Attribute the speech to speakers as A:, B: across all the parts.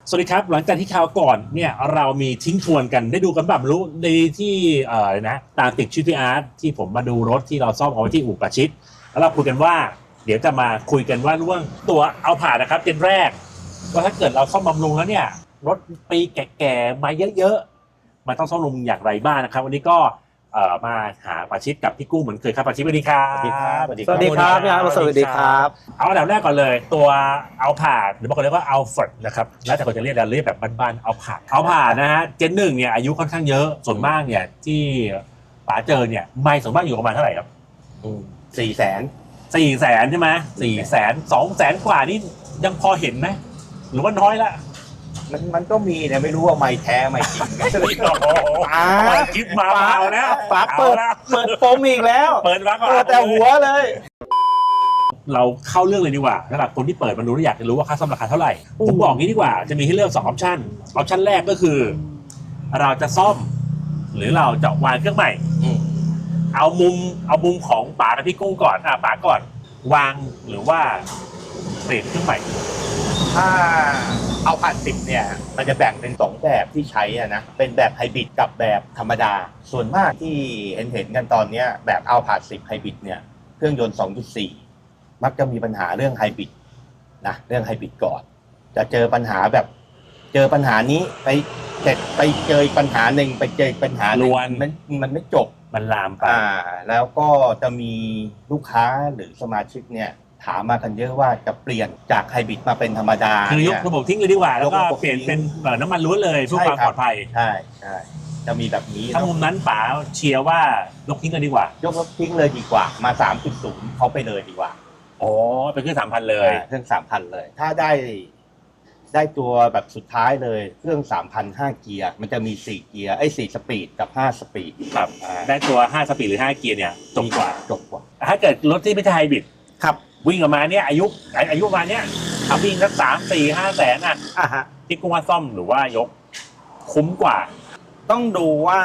A: สวัสดีครับหลังจากที่คราวก่อนเนี่ยเรามีทิ้งทวนกันได้ดูกันแบบรู้ในที่นะตามติดชื่อพี่อาร์ตที่ผมมาดูรถที่เราซ่อมเอาไว้ที่อู่ประชิดแล้วเราคุยกันว่าเดี๋ยวจะมาคุยกันว่าเรื่องตัวเอาผ่านนะครับเจนแรกว่าถ้าเกิดเราซ่อมบำรุงแล้วเนี่ยรถปีแก่ๆมาเยอะๆมันต้องซ่อมบำรุงอย่างไรบ้างนะครับวันนี้ก็มาหาประชิดกับพี่กู้เหมือนเคยครับประชิดสวัสดีครับ
B: สวัสดีครับ
C: สวัสดีครับพี่อาร์ตสวัสดีครับ
A: เอาอันดับแรกก่อนเลยตัวเอาผ่านหรือบางคนเรียกว่าเอาฟอร์ดนะครับแล้วแต่คนจะเรียกเราเรียกแบบบ้านๆเอาผ่านนะฮะเจนหนึ่งเนี่ยอายุค่อนข้างเยอะส่วนมากเนี่ยที่ป๋าเจอเนี่ยไม่ส่วนมากอยู่ประมาณเท่าไหร่ครับ
B: 400,000
A: 400,000ใช่ไหม400,000 200,000 กว่านี่ยังพอเห็นไหมหรือว่าน้อยละ
B: มันก็มีแต่ไม่รู้ว่าไม่แท้ไม่จริงกัน
A: โอ้โหคลิปมาเอาแล้ว
C: ฝาเปิดปมอีกแล้ว
A: เปิดมาก่อน
C: เปิดแต่หัวเลย
A: เราเข้าเรื่องเลยดีกว่าสำหรับคนที่เปิดมาดูแล้วอยากจะรู้ว่าค่าซ่อมราคาเท่าไหร่ผมบอกงี้ดีกว่าจะมีให้เลือก2ออปชันออปชันแรกก็คือ เราจะซ่อม หรือเราจะวางเครื่องใหม่เอามุมของป๋ากับพี่กุ้งก่อนป๋าก่อนวางหรือว่าเปลี่ยนเครื่องใหม่
B: ถ้าเอาผ่าน10เนี่ยมันจะแบ่งเป็น2แบบที่ใช้นะเป็นแบบไฮบริดกับแบบธรรมดาส่วนมากที่เห็นกันตอนนี้แบบเอาผ่าน10ไฮบริดเนี่ยเครื่องยนต์ 2.4 มักจะมีปัญหาเรื่องไฮบริดนะเรื่องไฮบริดก่อนจะเจอปัญหาแบบเจอปัญหานี้ไปเสร็จไปเจอปัญหาหนึ่งไปเจอปัญหาหนึ่งมันไม่จบ
A: มันลามไป
B: แล้วก็จะมีลูกค้าหรือสมาชิกเนี่ยถามมากันเยอะว่าจะเปลี่ยนจากไฮบริดมาเป็นธรรมดา
A: คือยก
B: เนี่ย
A: ระบบทิ้งเลยดีกว่า แล้วก็
B: ยกระบบ
A: เปลี่ยน
B: ทิ้ง
A: เป็นน้ำมันล้วนเลยเพื่อความปลอดภัย
B: ใช่จะมีแบบนี้
A: ถ้ามุมนั้นป๋าเชียร์ว่ายกทิ้งกันดีกว่า
B: ยกทิ้งเลยดีกว่ามา 3.0 เขาไปเลยดีกว่า
A: อ๋อเป็นเครื่อง3,000เลย
B: เครื่อง 3,000 เลย ถ้าได้ตัวแบบสุดท้ายเลยเครื่อง 3,000 5 เกียร์มันจะมี4เกียร์4สปีดกับ5สปีด
A: ครับได้ตัว5สปีดหรือ5เกียร์เนี่ยจบกว่า ถ้าเกิดรถที่ไม่ใช่ไฮบริด
C: ครับ
A: วิ่งออกมาเนี่ยอายุประมาณเนี้ยขับวิ่งสัก3-4-5 แสนอ่ะ
C: ฮะ
A: ที่กุ้งว่าซ่อมหรือว่ายกคุ้มกว่า
C: ต้องดูว่า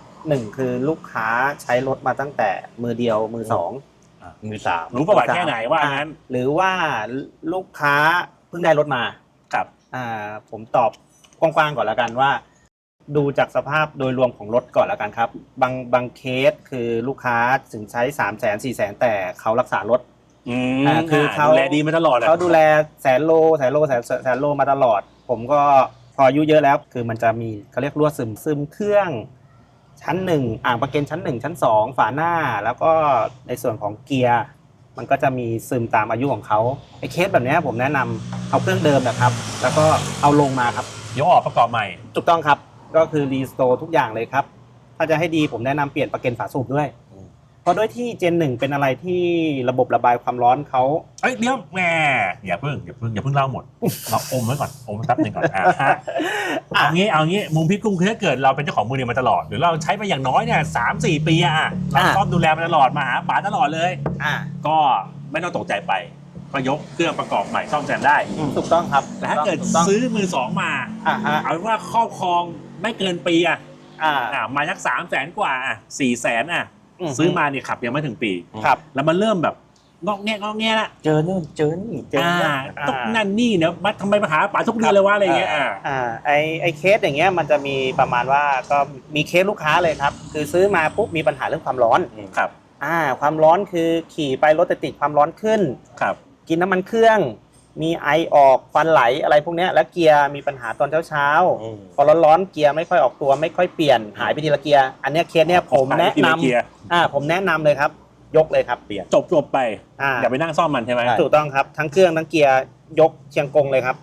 C: 1คือลูกค้าใช้รถมาตั้งแต่มือเดียวมือสอง
B: มือ 3
A: รู้ประวัติแค่ไหนว่างั้น
C: หรือว่าลูกค้าเพิ่งได้รถมา
A: ครับ
C: ผมตอบกว้างๆก่อนแล้วกันว่า ดูจากสภาพโดยรวมของรถก่อนแล้วกันครับบางเคสคือลูกค้าถึงใช้300,000 400,000แต่เขารักษารถ คือเขา
A: ดูแลดีมาตลอด
C: เขาดูแลแสนโลมาตลอด ผมก็พออายุเยอะแล้วคือมันจะมีเขาเรียกรั่วซึมเครื่องชั้น1อ่างประเก็นชั้น1ชั้น2ฝาหน้าแล้วก็ในส่วนของเกียร์มันก็จะมีซึมตามอายุของเขาไอ้เคสแบบนี้ผมแนะนำเอาเครื่องเดิมนะครับ แล้วก็เอาลงมาครับ
A: ยกออกประกอบใหม่
C: ถูกต้องครับก็คือรีสโตร์ทุกอย่างเลยครับถ้าจะให้ดีผมแนะนำเปลี่ยนประเก็นฝาสูบด้วยเพราะด้วยที่เจน1เป็นอะไรที่ระบบระบายความร้อนเขา
A: เอ้ยเดี๋ยวแหมอย่าเพิ่งเล่าหมดเราอมไว้ก่อนอมแป๊บหนึงก่อนเอางี้มุมพี่กุ้งคือถ้าเกิดเราเป็นเจ้าของมือเนี่ยมาตลอดหรือเราใช้มาอย่างน้อยเนี่ย3-4 ปีเราซ่อมดูแลมาตลอดมาหาป๋าตลอดเลยก็ไม่ต้องตกใจไปก็ยกเครื่องประกอบใหม่ซ่อมแซมได้
C: ถูกต้องครับ
A: แต่ถ้าเกิดซื้อมือสองมาเอาเป็นว่าครอบครองไม่เกินปีมาสัก300,000 กว่า400,000ซื้อมาเนี่ยขับยังไม่ถึงปี
C: ครับ
A: แล้วมันเริ่มแบบงอกแงละ
B: เจอนู่นเจอนี่เจอนี่
A: ต้องนั่นนี่เนี่ยมาทำไมมาหาป๋าทุกเดือนเลยวะอะไรเงี้ย
C: ไอเคสอย่างเงี้ยมันจะมีประมาณว่าก็มีเคสลูกค้าเลยครับคือซื้อมาปุ๊บมีปัญหาเรื่องความร้อน
A: ครับ
C: ความร้อนคือขี่ไปรถติดความร้อนขึ้น
A: ครับ
C: กินน้ำมันเครื่องมีไอออกควันไหลอะไรพวกเนี้ยแล้วเกียร์มีปัญหาตอนเช้าพอร้อนๆเกียร์ไม่ค่อยออกตัวไม่ค่อยเปลี่ยนหายไปทีละเกียร์อันเนี้ยเคสเนี้ยผมแนะนำผมแนะนำเลยครับยกเลยครับเปลี่ยน
A: จบไปอย่าไปนั่งซ่อมมันใช่ไหม
C: ถูกต้องครับทั้งเครื่องทั้งเกียร์ยกเชียงกงเลยครับ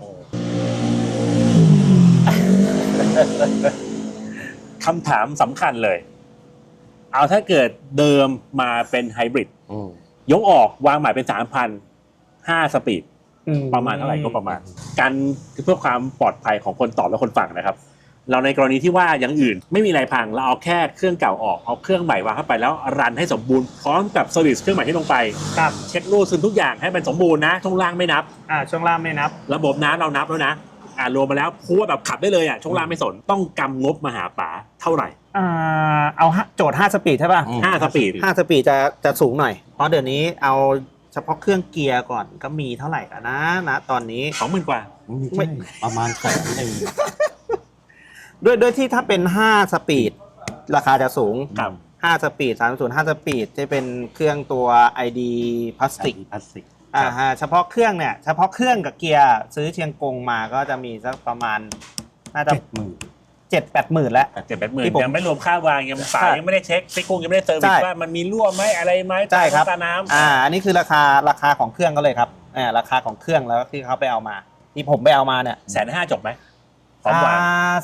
A: คำถามสำคัญเลยเอาถ้าเกิดเดิมมาเป็นไฮบริดยกออกวางใหม่เป็น 3,000 5 สปีดประมาณเท่าไหร่ก็ประมาณการเพื่อความปลอดภัยของคนตอบและคนฟังนะครับเราในกรณีที่ว่าอย่างอื่นไม่มีอะไรพังเราเอาแค่เครื่องเก่าออกเอาเครื่องใหม่วางเข้าไปแล้วรันให้สมบูรณ์พร้อมกับเซอร์วิสเครื่องใหม่ที่ลงไปเช็ครูซึมทุกอย่างให้มันสมบูรณ์นะช่วงล่างไม่นับ
C: ช่วงล่างไม่นับ
A: ระบบน้ำเรานับแล้วนะรวมมาแล้วพูดว่าแบบขับได้เลยช่วงล่างไม่สนต้องกำงบมาหาป๋าเท่าไหร่
C: เอาโจทย์5สปีดใช่ป่ะ
A: 5 สปีด
C: 5 สปีดจะสูงหน่อยเพราะเดี๋ยวนี้เอาเฉพาะเครื่องเกียร์ก่อนก็มีเท่าไหร่กันนะตอนนี้
A: 20,000 กว่า
C: ไม่
B: ประมาณ1,000,000
C: ด้วยที่ถ้าเป็น5สปีดราคาจะสูง
A: ครับ
C: 5สปีด305สปีดจะเป็นเครื่องตัว ID พลาสติก
B: พลาสติก
C: ฮะเฉพาะเครื่องเนี่ยเฉพาะเครื่องกับเกียร์ซื้อเชียงกงมาก็จะมีสักประมาณน่าจะ 7-8 หมื่นแล้ว
A: 7-8 หมื่น
C: ที่ผม
A: ยังไม่รวมค่าวางยังสายยังไม่ได้เช็คพี่กุ้งยังไม่ได้เซอร์วิส
C: ใช่
A: ว่ามันมีรั่วไหมอะไรไหม
C: ใช่ครับ
A: ตาน้ำ
C: อันนี้คือราคาของเครื่องก็เลยครับราคาของเครื่องแล้วที่เขาไปเอามา ที่ผมไปเอามาเนี่ย
A: 150,000 จบไหมพร้อมวาง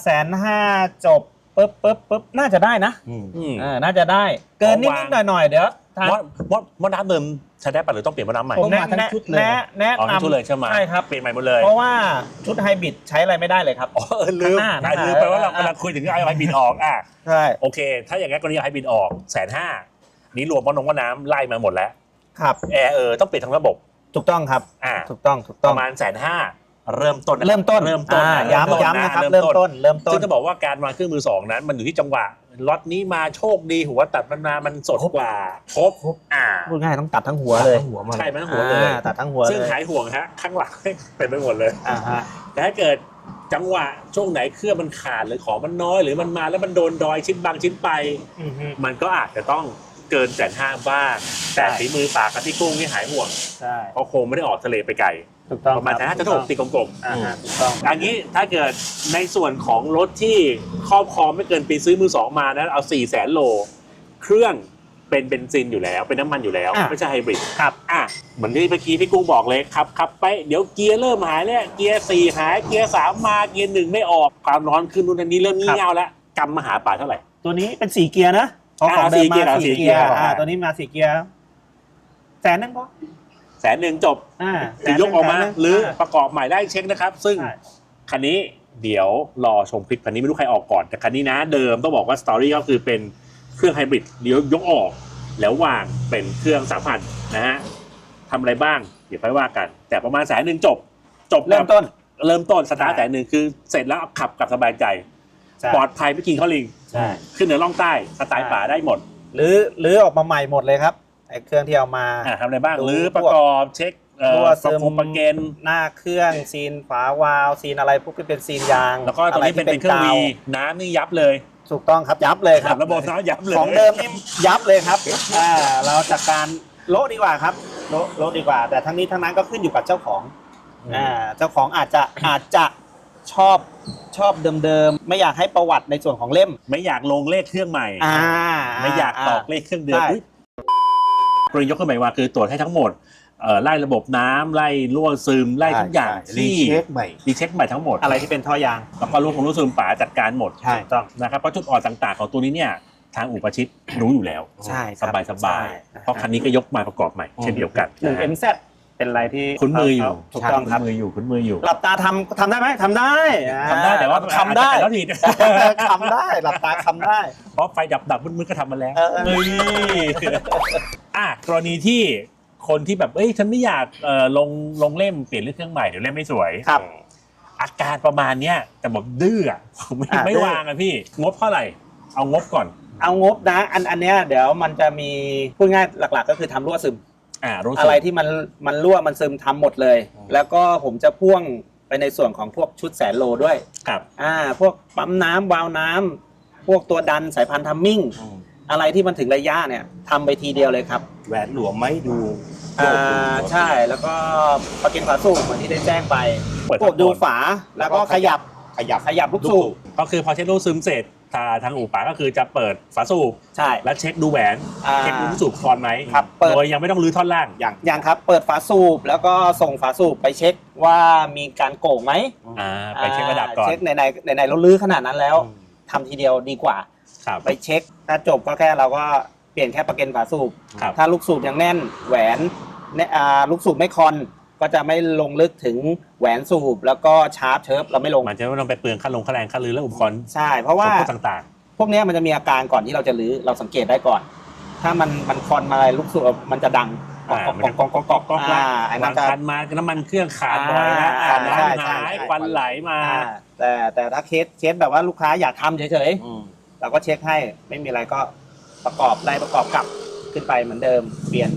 C: 150,000จบปึ๊บน่าจะได้นะ
A: อืม
C: น่าจะได้เกินนิ
A: ของวาง
C: ดๆหน่อยๆเดี๋ยวทาง
A: มดน้ำเดิมใช้ได้ปะหรือต้องเปลี่ยนมดน้ำใหม่
C: ผม
B: มาทั้งชุดเลย
C: แนะ
A: อ๋อทั้งชุด
C: นำ
A: เลยใช่ไหม
C: ใช่ครับ
A: เปลี่ยนใหม่หมดเลย
C: เพราะว่าชุดไฮบริดใช้อะไรไม่ได้เลยครับ
A: อ๋อลืม
C: ข้างหน้า
A: ลืมไปว่าเรากำลังคุยถึงเอาไฮบริดออก
C: ใช่
A: โอเค ถ้าอย่างงั้นกรณีเอาไฮบริดออก150,000นี้รวมมดน้ำไล่มาหมดแล้ว
C: ครับ
A: แอร์ต้องเปลี่ยนทั้งระบบ
C: ถูกต้องครับ ถูกต้อง
A: ประมาณ150,000เริ่มต้นนะ
C: เริ่มต้น ย้ำนะครับเริ่มต้น
A: ซึ่งจะบอกว่าการวางเครื่องมือสองนั้นมันอยู่ที่จังหวะล็อตนี้มาโชคดีหัวตัดมันมามันสดกว่าครบ
C: พูดง่ายต้องตัดทั้งหัวเลย
A: ใช่มันทั้งหัวเลย
C: ตัดทั้งหัวเลย
A: ซึ่งหายห่วงฮะข้างหลังเป็นไปหมดเลย
C: ฮะ
A: แต่ถ้าเกิดจังหวะช่วงไหนเครื่องมันขาดหรือของมันน้อยหรือมันมาแล้วมันโดนดอยชิ้นบางชิ้นไป มันก็อาจจะต้องเกิน150,000บ้างแต่ฝีมือปากกับที่กุ้งนี่หายห่วง
C: ใช่
A: เพราะคงไม่ได้ออกทะเลไปไกล
C: ถูกต้อง
A: ประมาณ150,000จะถูกตีกลม
C: ถูกต้อง
A: ๆอันนี้ถ้าเกิดในส่วนของรถที่ครอบครองไม่เกินปีซื้อมือสองมานะเอา 400,000 โลเครื่องเป็นเบนซินอยู่แล้วเป็นน้ำมันอยู่แล้วไม่ใช่ไฮบริด
C: ครับ
A: เหมือนที่เมื่อกี้พี่กุ้งบอกเลยขับไปเดี๋ยวเกียร์เริ่มหายแล้วเกียร์4หายเกียร์3มาเกียร์1ไม่ออกความร้อนขึ้นนู่นนี่เริ่มงี่เง่าแล้วกำมหาป่าเท่าไหร่
C: ตัวนี้เป็น4เกียร์นะของเดิมมา4เกียร์ตัวนี้มา4เกียร์100,000พอ
A: 100,000จบคือยกออกมาหรือประกอบใหม่ได้เช็คนะครับซึ่งคันนี้เดี๋ยวรอชมคลิปคันนี้ไม่รู้ใครออกก่อนแต่คันนี้นะเดิมต้องบอกว่าสตอรี่ก็คือเป็นเครื่องไฮบริดเดี๋ยวยกออกแล้ววางเป็นเครื่อง3,000นะฮะทำอะไรบ้างเดี๋ยวค่อยว่ากันแต่ประมาณ100,000จบ
C: เริ่มต้น
A: สตาร์ท100,000คือเสร็จแล้วขับกับสบายใจปลอดภัยไม่กินข้าวลิงขึ้นเหนือล่องใต้สไตล์ป่าได้หมด
C: หรือออกมาใหม่หมดเลยครับไอ้เครื่องที่เอามา
A: ทำอะไรบ้างหรือประกอบเช็ค
C: รั่วซึม
A: ประเกน
C: หน้าเครื่องซีนฝาวาล์วซีนอะไรพวกที่เป็นซีนยาง
A: แล้วก็ตรงนี้เป็นเครื่องวีน้ำนี่ยับเลย
C: ถูกต้องครับยับเลยครับ
A: ระบบน้ำยับเลย
C: ของเดิมนี่ยับเลยครับเราจัดการโละดีกว่าครับโละดีกว่าแต่ทั้งนี้ทั้งนั้นก็ขึ้นอยู่กับเจ้าของเจ้าของอาจจะชอบเดิมๆไม่อยากให้ประวัติในส่วนของเล่ม
A: ไม่อยากลงเลขเครื่องใหม่ไม่อยากตอกเลขเครื่องเดิมกรณียกเครื่องใหม่มาคือตรวจให้ทั้งหมดไล่ระบบน้ำไล่รั่วซึมไล่ทุกอย่างที่รีเช็คใหม่ทั้งหมด
C: อะไรที่เป็นท่อยาง
A: แล้วก็รั่วซึมป๋าจัดการหมด
C: ใช่ต้อง
A: นะครับเพราะจุดอ่อนต่างๆของตัวนี้เนี่ยทางอุปชิตรู้อยู่แล้ว
C: ใช่
A: สบายเพราะคันนี้ก็ยกมาประกอบใหม่เช่นเดียวกัน
C: 1MZ เป็นอะไรที่
A: คุ้นมืออยู่
C: ถูกต้องครับ
A: คุ้นมืออยู่
C: หลับตาทำได้ไหมทำได้
A: แต่ว่า
C: ทำได้
A: แล้วที
C: ทำได้หลับตาทำได้
A: เพราะไฟดับมืดๆก็ทำมาแล้วกรณีที่คนที่แบบฉันไม่อยากลงเล่มเปลี่ยนเรื่องเครื่องใหม่เดี๋ยวเล่มไม่สวย
C: ครับ
A: อาการประมาณเนี้ยแต่บอกดื้อไม่วางพี่งบเท่าไหร่เอางบก่อน
C: เอางบนะอันเนี้ยเดี๋ยวมันจะมีพูดง่ายหลักๆก็คือทำรั่วซึมอะไรที่มันรั่วมันซึมทำหมดเลยแล้วก็ผมจะพ่วงไปในส่วนของพวกชุด100,000 โลด้วย
A: ครับ
C: พวกปั๊มน้ำวาล์วน้ำพวกตัวดันสายพันธุ์ทัมมิ่งอะไรที่มันถึงระยะเนี่ยทำไปทีเดียวเลยครับ
B: แหวนหลวมไม่ดู
C: ใช่แล้วก็ประกันฝาสูบเหมือนที่ได้แจ้งไปกดดูฝาแล้วก็ขยับลูกสูบ
A: ก็คือพอเช็คลูกซึมเสร็จทางอู่ป๋าก็คือจะเปิดฝาสูบ
C: ใช่
A: แล้วเช็คดูแหวนเช็คดูลูกสูบคลอนไหมโดยยังไม่ต้องรื้อท่อนล่าง
C: อย่างครับเปิดฝาสูบแล้วก็ส่งฝาสูบไปเช็คว่ามีการโก่งไหม
A: ไปเช็คระดับก่อน
C: เช็คไหนเราลื้อขนาดนั้นแล้วทำทีเดียวดีกว่าไปเช็คถ้าจบก็แค่เราก็เปลี่ยนแค่ประกันฝาสูบถ้าลูกสูบยังแน่นแหวนลูกสูบไม่คอนก็จะไม่ลงลึกถึงแหวนสูบแล้วก็ชาร์ปเชิร์ฟเราไม่ลง
A: มันจะไม่ต้องไปเปลืองค่าแรงค่ารื้อและอุปกรณ์
C: ใช่เพราะว่า
A: ต่าง
C: ๆพวกนี้มันจะมีอาการก่อนที่เราจะรื้อเราสังเกตได้ก่อนถ้ามันคอนมาอะไรลูกสูบมันจะดัง
A: ก๊อกไอ้มันจะคันมาน้ำมันเครื่องขาดบ่อยนะน้ำหายควันไหลมา
C: แต่ถ้าเคสแบบว่าลูกค้าอยากทำเฉยๆเราก็เช็คให้ไม่มีอะไรก็ประกอบกลับขึ้นไปเหมือนเดิมเปลี่ยน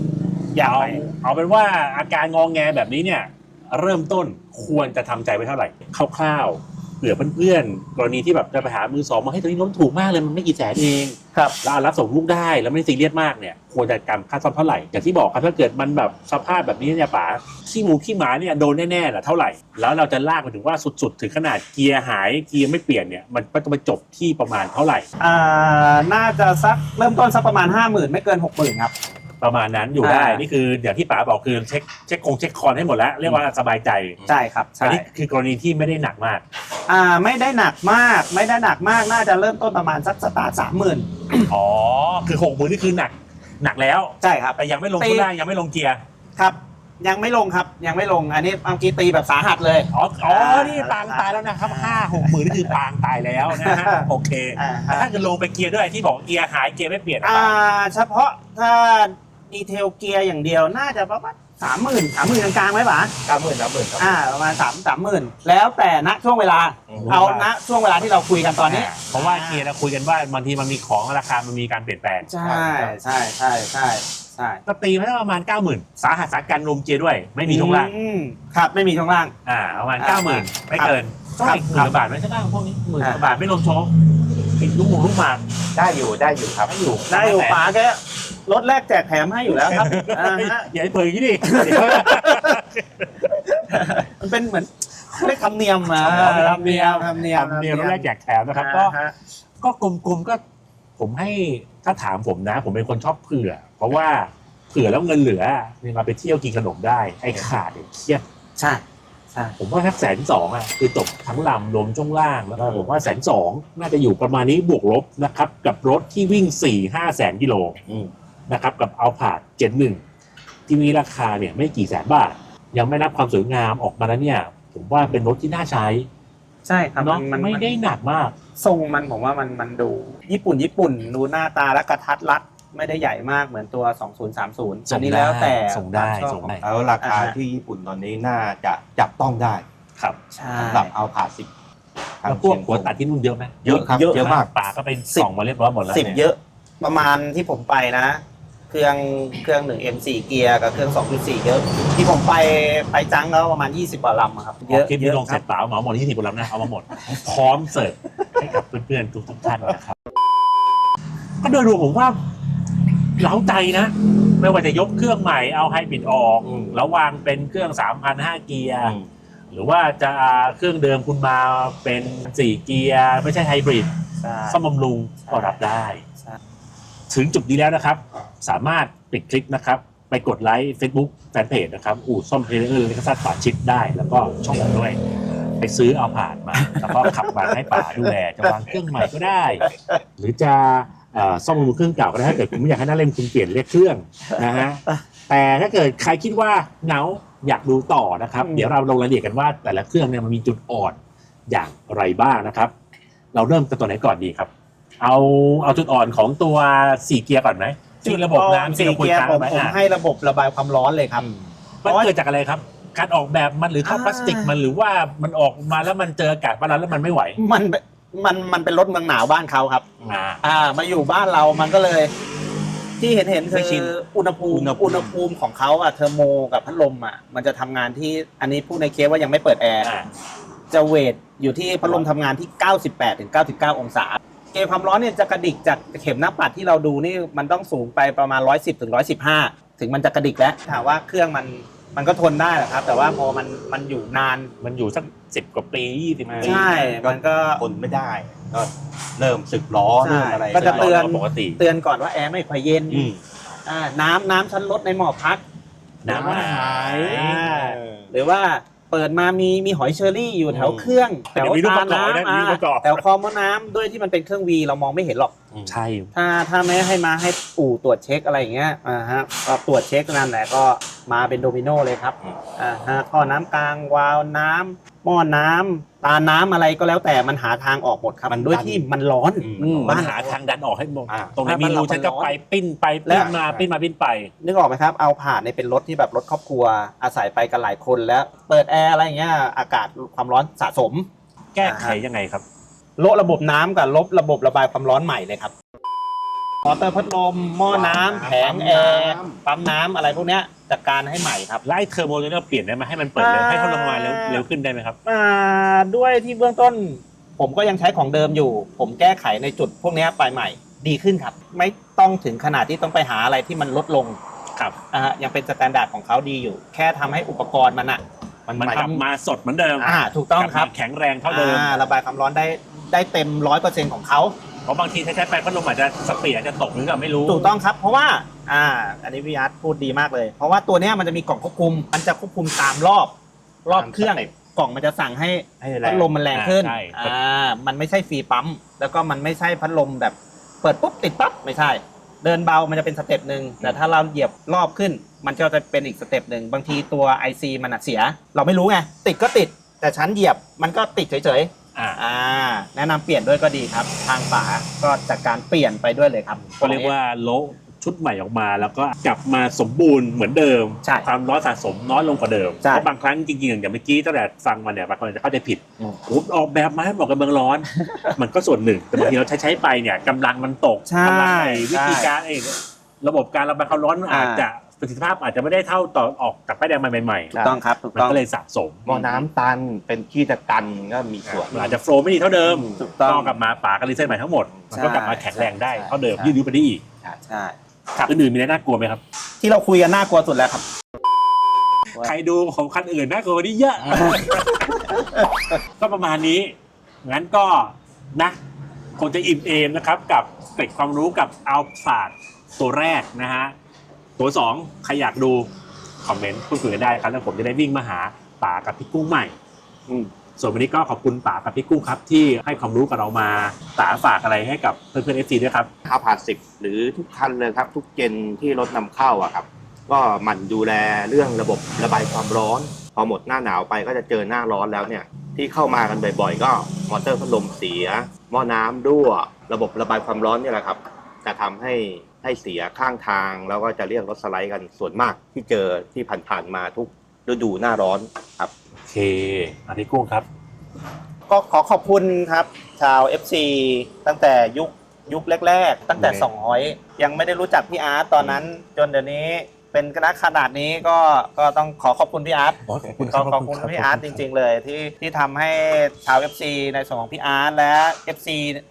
C: อยากไป
A: เอาเป็นว่าอาการงองแงแบบนี้เนี่ยเริ่มต้นควรจะทำใจไว้เท่าไหร่คร่าวๆเผื่อเพื่อนๆกรณีที่แบบจะไปหามือสองมาให้ตัวนี้ล้มถูกมากเลยมันไม่กี่แสนเอง
C: ครับ
A: แล้วรับส่งลูกได้แล้วไม่ได้ซีเรียสมากเนี่ยควรจะกำค่าซ่อมเท่าไหร่อย่างที่บอกครับถ้าเกิดมันแบบสภาพแบบนี้เนี่ยป๋าขี้หมูขี้หมาเนี่ยโดนแน่ๆแหละเท่าไหร่แล้วเราจะลากไปถึงว่าสุดๆถึงขนาดเกียร์หายเกียร์ไม่เปลี่ยนเนี่ยมันก็จะไปจบที่ประมาณเท่าไหร่
C: น่าจะสักเริ่มต้นสักประมาณ 50,000 ไม่เกิน 60,000 ครับ
A: ประมาณนั้นอยู่ได้นี่คืออย่างที่ป๋าบอกคือเช็คคอนให้หมดแล้วเรียกว่าสบายใจ
C: ใช่ครับ
A: อัน
C: ใช่
A: นี้คือกรณีที่ไม่ได้หนักมาก
C: ไม่ได้หนักมากน่าจะเริ่มต้นประมาณสักสตาร์ท 30,000
A: อ๋อคือ60,000นี่คือหนักแล้ว
C: ใช่ครับ
A: แต่ยังไม่ลงช่วงล่างยังไม่ลงเกียร์
C: ครับยังไม่ลงครับยังไม่ลงอันนี้เมื่อกี้ตีแบบสาหัสเลย
A: อ๋อนี่ปางตายแล้วนะครับ5-6 หมื่นนี่คือปางตายแล้วนะฮะโอเคแต่ถ้าเกิดลงไปเกียร์ด้วยที่บอกเกียร์หายเกียร์ไม่เปลี่ยน
C: เฉพาะถ้าดีเทลเกียร์อย่างเดียวน่าจะประมาณ30,000กลางๆไหมป๋า
B: 30,000ครับ
C: ประมาณ30,000แล้วแต่ณช่วงเวลาเอาณช่วงเวลาที่เราคุยกันตอนนี้
A: เพราะว่าเกียร์เราคุยกันว่าบางทีมันมีของราคามันมีการเปลี่ยนแปลง
C: ใช่
A: ก็ตีมาประมาณ 90,000 สาหัสสากันรวมเกียร์ด้วยไม่มีช่วงล่าง
C: ครับไม่มีช่วงล่าง
A: ประมาณ 90,000 ไม่เกินก็อีก10,000 กว่าบาทไม่ใช่บ้างพวกนี้10,000 กว่าบาทไม่รวมโชว์อีกลูกหมาก
B: ได้อยู่ครับ
A: ได้อยู่
C: ป๋าแกรถแรกแจกแถมให้อยู่แล้วครับ
A: อย่าให้เปิดอย่างนี้ดิ
C: มันเป็นเหมือนเรียกธรรมเนียมธรรมเนียม
A: รถแรกแจกแถมนะครับก็กลมๆก็ผมให้ถ้าถามผมนะ ผมเป็นคนชอบเผื่อ เพราะว่าเผื่อแล้วเงินเหลือเนี่ยมาไปเที่ยวกินขนมได้ไอ้ขาดเครียด
C: ใช่
A: ผมว่าสัก120,000คือจบทั้งลำรวมช่วงล่างแล้วก็ผมว่า120,000น่าจะอยู่ประมาณนี้บวกลบนะครับกับรถที่วิ่ง 4-5 แสนกิโลนะครับกับเอาผาด71ที่มีราคาเนี่ยไม่กี่แสนบาทยังไม่นับความสวยงามออกมาแล้วเนี่ยผมว่าเป็นรถที่น่าใช้
C: ใช่ครับ
A: มันไม่ได้หนักมาก
C: ทรงมันผมว่ามันดูญี่ปุ่นดูหน้าตาและกระทัดรัดไม่ได้ใหญ่มากเหมือนตัว2030อันนี้แล้วแต่
A: ส่งได้
B: แล้วราคาที่ญี่ปุ่นตอนนี้น่าจะจับต้องได้
A: ครับ
B: สำหรับเอาผ่า10
A: แล้วพวกหัวตัดที่นู่นเยอะไหม
B: เยอะครับเยอะมาก
A: ป่าก็เป็นส่องมาเรียบร้อยหมดแล้ว
C: 10เยอะประมาณที่ผมไปนะเครื่อง1 M4 เกียร์กับเครื่อง 2.4 เยอะที่ผมไปจังแล้วประมาณ20 กว่าลำครับ
A: เยอะคลิปนี้ลงเสร็จเปล่าเหมาหมด20 กว่าลำนะเอามาหมดพร้อมเสิร์ฟให้กับเพื่อนๆทุกท่านนะครับก็โดยรวมผมว่าเล้าใจนะไม่ว่าจะยกเครื่องใหม่เอาไฮบริดออกแล้ววางเป็นเครื่อง 3,500 เกียร์หรือว่าจะเครื่องเดิมคุณมาเป็น4เกียร์ไม่ใช่ไฮบริดซ่อมบำรุงก็รับได้ถึงจุดนี้แล้วนะครับสามารถปิดคลิปนะครับไปกดไลค์ Facebook แฟนเพจนะครับอู่ซ่อมเทเลอร์เลกซัสป่าชิดได้แล้วก็ช่องผมด้วยไปซื้อเอาผ่านมาแล้วก็ขับมาให้ป่าดูแลจะวางเครื่องใหม่ก็ได้หรือจะซ่อมบำรุงเครื่องเก่าก็ได้ถ้าเกิดคุณไม่อยากให้หน้าเล่มคุณเปลี่ยนเรียกเครื่องนะฮะแต่ถ้าเกิดใครคิดว่าเหงาอยากดูต่อนะครับเดี๋ยวเราลงรายละเอียดกันว่าแต่ละเครื่องเนี่ยมันมีจุดอ่อนอย่างไรบ้างนะครับเราเริ่มกันตัวไหนก่อนดีครับเอาจุดอ่อนของตัว4เกียร์ก่อนไหมที่ระบบน้ำที่เราคุยกัน
C: ผมให้ระบบระบายความร้อนเลยครับ
A: มันเกิดจากอะไรครับการออกแบบมันหรือท่อพลาสติกมันหรือว่ามันออกมาแล้วมันเจออากาศบ้านเราแล้วมันไม่ไหว
C: มันเป็นรถเมืองหนาวบ้านเขาครับมาอยู่บ้านเรามันก็เลยที่เห็นคืออุณหภูมิของเขาเทอร์โมกับพัดลมมันจะทำงานที่อันนี้พูดในเคสว่ายังไม่เปิดแอร์จะเวทอยู่ที่พัดลมทำงานที่98 ถึง 99 องศาเกณฑ์ความร้อนเนี่ยจะกระดิกจากเข็มหน้าปัดที่เราดูนี่มันต้องสูงไปประมาณ110 ถึง 115ถึงมันจะกระดิกแล้วถามว่าเครื่องมันก็ทนได้แหละครับแต่ว่าพอมันอยู่นาน
A: มันอยู่สัก10 กว่าปี20 ปี
C: ใช่มันก็
B: ทนไม่ได้ก็เริ่มสึกล้อเริ่มอะไร
C: ก็จะเตือน
A: ปกติ
C: เตือนก่อนว่าแอร์ไม่ค่อยเย็นน้ำชั้นลดในหม้อพัก
A: น้ำหาย
C: หรือว่าเปิดมามีหอยเชอรี่อยู่แถวเครื่องแถวตาน้ำแถวคอมอน้ำด้วยที่มันเป็นเครื่องวีเรามองไม่เห็นหรอก
A: ใช่
C: ถ้าไม่ให้มาให้อู่ตรวจเช็คอะไรอย่างเงี้ยก็ตรวจเช็คนั่นแหละก็มาเป็นโดมิโนเลยครับท่อน้ำกลางวาล์วน้ำหม้อน้ำตาน้ำอะไรก็แล้วแต่มันหาทางออกหมดครับมันด้วยที่มันร้อน
A: มันหาทางดันออกให้หมดตรงไหนมีรูฉันก็ไปปิ้นมาไป
C: นึกออกไหมครับเอาผ่านในเป็นรถที่แบบรถครอบครัวอาศัยไปกันหลายคนแล้วเปิดแอร์อะไรอย่างเงี้ยอากาศความร้อนสะสม
A: แก้ไขยังไงครับ
C: ลดระบบน้ำกับลบระบบระบายความร้อนใหม่เลยครับอเตอร์พัดลมหม้อน้ำแผงแอร์ปั๊มน้ำอะไรพวกเนี้ยจัดการให้ใหม่ครับ
A: ไล่เทอร์โมตัวนี้เราเปลี่ยนได้ไหมให้มันเปิดเร็วให้เขาลงมาเร็วขึ้นได้ไหมครับ
C: ด้วยที่เบื้องต้นผมก็ยังใช้ของเดิมอยู่ ผมแก้ไขในจุดพวกเนี้ยไปใหม่ดีขึ้นครับ ไม่ต้องถึงขนาดที่ต้องไปหาอะไรที่มันลดลง
A: ครับ
C: ยังเป็นสแตนดาร์ดของเขาดีอยู่ แค่ทำให้อุปกรณ์มันอะ
A: มันกลับมาสดเหมือนเดิม
C: ถูกต้องครับ
A: แข็งแรงเท่าเดิม
C: ระบายความร้อนได้เต็ม 100%ของเขา
A: เพราะบางทีใช้ไปพัดลมอาจจะสปีดอาจจะตกหรือเปล่าไม่รู้
C: ถูกต้องครับ เพราะว่าอันนี้พี่อาร์ตพูดดีมากเลย เพราะว่าตัวเนี้ยมันจะมีกล่องควบคุม มันจะควบคุมตามรอบเครื่องกล่องมันจะสั่งให้พัดลมมันแรงขึ้น
A: ใช่
C: มันไม่ใช่ฟรีปั๊มแล้วก็มันไม่ใช่พัดลมแบบเปิดปุ๊บติดปั๊บไม่ใช่ เดินเบามันจะเป็นสเต็ปหนึ่งแต่ถ้าเราเหยียบรอบขึ้น มันก็จะเป็นอีกสเต็ปหนึ่งบางทีตัว IC มันเสีย เราไม่รู้ไงติดก็ติด แต่ชั้นเหยียบมันก็ติดเฉยๆแนะนำเปลี่ยนด้วยก็ดีครับ ทางฝาก็จัดการเปลี่ยนไปด้วยเลยครับ
A: ก็เรียกว่าโละชุดใหม่ออกมาแล้วก็กลับมาสมบูรณ์เหมือนเดิม
C: ใช่
A: ความร้อนสะสมน้อยลงกว่าเดิม
C: ใช่
A: เพราะบางครั้งจริงๆอย่างเมื่อกี้ตั้งแต่ฟังมาเนี่ยบางคนจะเข้าใจผิดผมออกแบบมาให้เหมาะกับเมืองร้อน มันก็ส่วนหนึ่งแต่บางทีเราใช้ไปเนี่ยกำลังมันตก
C: ใช่
A: กำลังวิธีการระบบการระบายความร้อนอาจจะประสิทธิภาพอาจจะไม่ได้เท่าตอนออกจากป้ายแดงมาใหม่
C: ถูกต้องครับถูก
A: ๆมัน
C: ต้อง
A: ก็เลยสะสม
B: หม้อน้ำตันเป็นขี้ตะกันก็มีส่วน
A: มันอาจจะโฟล์ไม่ดีเท่าเดิม
C: ถูกต้อง
A: ก็กลับมาป๋าก็รีเซ็ตใหม่ทั้งหมดมันก็กลับมาแข็งแรงได้เท่าเดิม
C: ใช่
A: ยืดไปได้อีก
C: ใช่
A: อื่นๆมีอะไรน่ากลัวไหมครับ
C: ที่เราคุยกันน่ากลัวสุดแล้วครับ
A: ใครดูของคันอื่นน่ากลัวกว่านี้เยอะ ก็ประมาณนี้ งั้นก็นะคงจะอิ่มเอมนะครับกับเกร็ดความรู้กับอัลฟาดตัวแรกนะฮะ ตัว2ใครอยากดูคอมเมนต์พูดคุยกันได้ครับแล้วผมจะได้วิ่งมาหาป๋ากับพี่กุ้งใหม่ส่วนวันนี้ก็ขอบคุณป๋ากับพี่กุ้งครับที่ให้ความรู้กับเรามาป๋าฝากอะไรให้กับเพื่อนๆ FC ด้วยครับ
B: 10หรือทุกคันเลยครับ ทุกเจนที่รถนำเข้าอะครับ ก็หมั่นดูแลเรื่องระบบระบายความร้อน พอหมดหน้าหนาวไปก็จะเจอหน้าร้อนแล้วเนี่ยที่เข้ามากันบ่อยๆ ก็มอเตอร์พัดลมเสียหม้อน้ำรั่วระบบระบายความร้อนเนี่ยแหละครับจะทำให้เสียข้างทางแล้วก็จะเรียกรถสไลด์กันส่วนมากที่เจอที่ผ่านๆมาทุกฤดูหน้าร้อนครับ
A: โอเคอันนี้กุ้งครับ
C: ก็ขอขอบคุณครับ ชาว FC ตั้งแต่ยุคแรกๆ ตั้งแต่200ยังไม่ได้รู้จักพี่อาร์ตตอนนั้น จนเดี๋ยวนี้เป็นคณะขนาดนี้ก็ต้องขอขอบคุณพี่อาร์ต
A: ขอบคุณ
C: ขอบคุณพี่อาร์ตจริงๆเลยที่ทำให้ชาว FC ในส่วนของพี่อาร์ตและ FC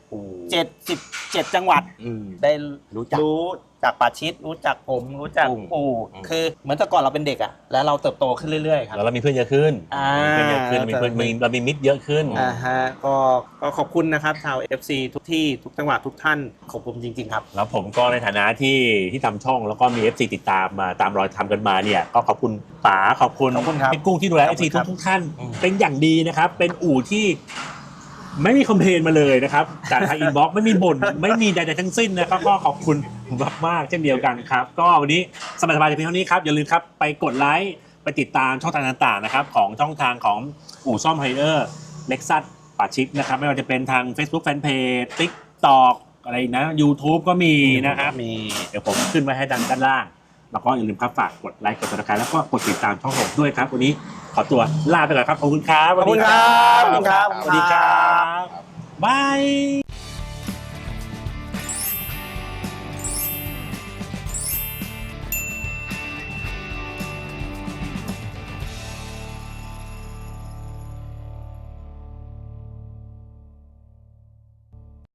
C: 77 จังหวัดได้รู้จากป่าชิดรู้จักผมรู้จักปู่คือเหมือนแต่ก่อนเราเป็นเด็กอะแล้วเราเติบโตขึ้นเรื่อยๆครับ
A: แล้วเรามีเพื่อนเยอะขึ้นมีเพื่อนเยอะขึ้นเรามีมิตรเยอะขึ้น
C: ก็ขอบคุณนะครับชาว FC ทุกที่ทุกจังหวัดทุกท่านขอบคุณจริงๆครับ
A: แล้วผมก็ในฐานะที่ทำช่องแล้วก็มี FC ติดตามมาตามรอยทำกันมาเนี่ยก็ขอบคุณป๋าขอบคุณ
C: ครับ
A: พี่กุ้งที่ดูแล
C: ขอบ
A: FC
C: คุณครับ
A: ทุกท่านเป็นอย่างดีนะครับ เป็นอู่ที่ไม่มีคอมเพลนมาเลยนะครับจากทางอินบ็อกซ์ไม่มีบ่นไม่มีใดๆทั้งสิ้นนะครับก็ขอบคุณมากๆเช่นเดียวกันครับก็วันนี้สบายๆเพียงเท่านี้ครับอย่าลืมครับไปกดไลค์ไปติดตามช่องทางต่างๆนะครับของช่องทางของอู่ซ่อมไฮเออร์เล็กซัสป่าชิดนะครับไม่ว่าจะเป็นทาง Facebook Fanpage TikTok อะไรนะ YouTube ก็มีนะครับเดี๋ยวผมขึ้นไว้ให้ด้านล่างแล้วก็อย่าลืมครับฝากกดไลค์กดติดตามแล้วก็กดติดตามช่องผมด้วยครับวันนี้ขอตัวลาไปก่อนครับขอบคุณครับ
C: ขอบคุณครับ
A: สวัสดีครับบาย